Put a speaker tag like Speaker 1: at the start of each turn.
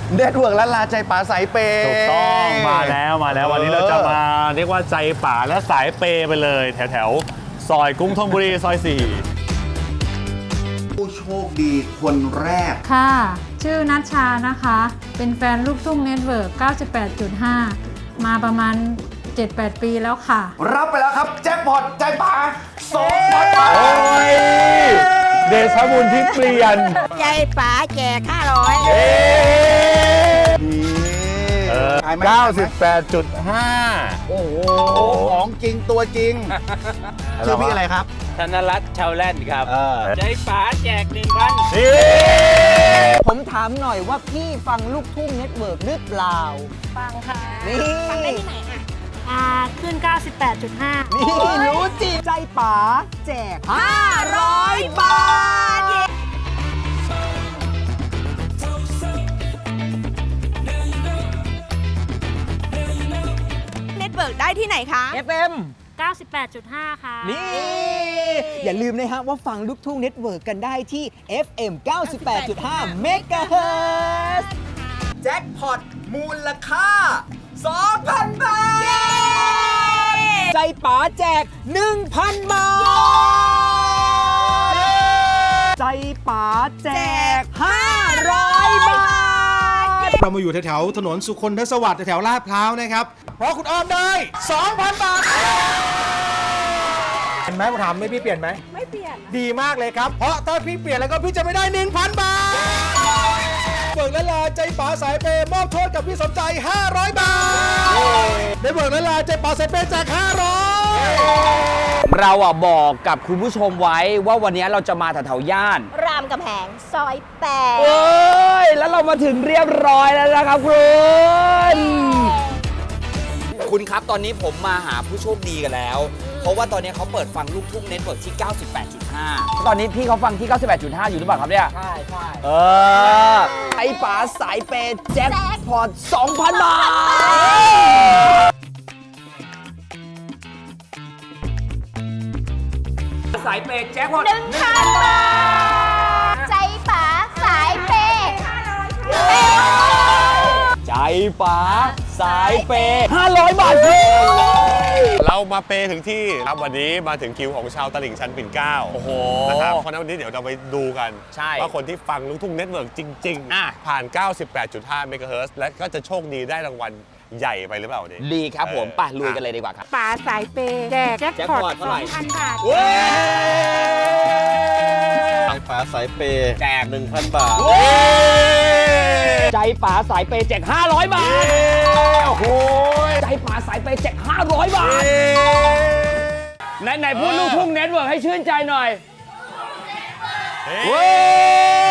Speaker 1: เด็ดเวิร์กและลาใจป๋าสายเปย์
Speaker 2: ถูกต้องมาแล้ววันนี้เราจะมาเรียกว่าใจป่าและสายเปย์ไปเลยแถวซอยกรุงธนบุรีซอย 4
Speaker 1: ผู้โชคดีคนแรก
Speaker 3: ค่ะ ชื่อนัชชานะคะ เป็นแฟนลูกทุ่งเน็ตเวิร์ก 98.5 มาประมาณ 7-8 ปีแล้วค่ะ
Speaker 1: รับไปแล้วครับแจ็คพอตใจป๋า2,000 บาท
Speaker 2: โอ้ยเดชะบุญที่เปลี่ยน
Speaker 4: ใจป๋าแจก500
Speaker 2: 98.5
Speaker 1: โอ้โหของจริงตัวจริงชื่อพี่อะไรครับ
Speaker 5: ธนรัตน์ชาวแลนด์ครับใจป๋าแจก1,000
Speaker 2: นี่
Speaker 6: ผมถามหน่อยว่าพี่ฟังลูกทุ่งเน็ตเวิร์กหรือเปล่า
Speaker 4: ฟังค่ะ
Speaker 6: นี่
Speaker 4: ฟังได้ที่ไหนอ่ะ
Speaker 3: ขึ้น 98.5
Speaker 6: นี่รู้จริงใจป๋าแจก500 บาท
Speaker 4: เน็ตเวิร์กได้ที่ไหนคะ
Speaker 6: FM
Speaker 3: 98.5 ค่ะ
Speaker 6: นี่ อย่าลืมนะฮะว่าฟังลูกทุ่งเน็ตเวิร์กกันได้ที่ FM 98.5 MHz แจ็คพอตมูลค่า 2,000 บาท ใจป๋าแจก 1,000 บาท ใจป๋าแจก 500 บาท
Speaker 7: เรามาอยู่แถวๆถนนสุคนทศวรรษแถวๆลาดพร้าวนะครับ เพราะคุณอ้อมได้ 2,000 บาทเห็นไหมผมถามไม่พี่เปลี่ยนไหมไม่เปลี่ยนดีมากเลยครับเพราะถ้าพี่เปลี่ยนแล้วก็พี่จะไม่ได้ 1,000 บาทเบิกและลาใจป๋าสายเปย์มอบโทษกับพี่สมใจ 500 บาทได้เบิกและลาใจป๋าสายเปย์จาก 500
Speaker 6: เราบอกกับคุณผู้ชมไว้ว่าวันนี้เราจะมาแถวๆย่าน
Speaker 4: รามกำแหงซอย
Speaker 6: เอ้ย แล้วเรามาถึงเรียบร้อยแล้วนะครับคุณครับตอนนี้ผมมาหาผู้โชคดีกันแล้ว เพราะว่าตอนนี้เขาเปิดฟังลูกทุ่งเน็ตเวิร์กที่ 98.5 ตอนนี้พี่เขาฟังที่ 98.5 อยู่หรือเปล่าครับเนี่ย ใช่ไอ้ป๋าสายเปย์แจ็คพอต 2,000 บาท สายเปย์แจ็คพอต
Speaker 4: 1,000 บาท ใจป๋าสายเปย์
Speaker 6: ใจป๋าสายเปย์500 บาทเลย
Speaker 2: เรามาเปย์ถึงที่ครับวันนี้มาถึงคิวของชาวตลิ่งชันปิ่นเกล้า
Speaker 6: โอ้โห
Speaker 2: นะครับเพราะฉะนั้นวันนี้เดี๋ยวเราไปดูกัน
Speaker 6: ใช่
Speaker 2: ว่าคนที่ฟังลูกทุ่งเน็ตเวิร์กจริง ผ่าน 98.5 เมกะเฮิรตซ์และก็จะโชคดีได้รางวัลใหญ่ไปหรือเปล่าวันนี้
Speaker 6: ดีครับผมไปลุยกันเลยดีกว่าครับ
Speaker 4: ป๋าสายเปย์แจกแจ็ค
Speaker 6: แจ็ค
Speaker 4: พ
Speaker 6: พ
Speaker 4: อ
Speaker 6: อ
Speaker 4: ต
Speaker 6: ตเท่าไหร่
Speaker 4: 2,000 บาท
Speaker 7: ใจป๋าสายเปย์แจก 1,000 บาท
Speaker 6: ใจป๋าสายเปย์แจก500 บาท โอ้โห ใจป๋าสายเปย์แจก500 บาท ไหนพูดลูกทุ่งเน็ตเวิร์กให้ชื่นใจหน่อย
Speaker 2: เฮ้ย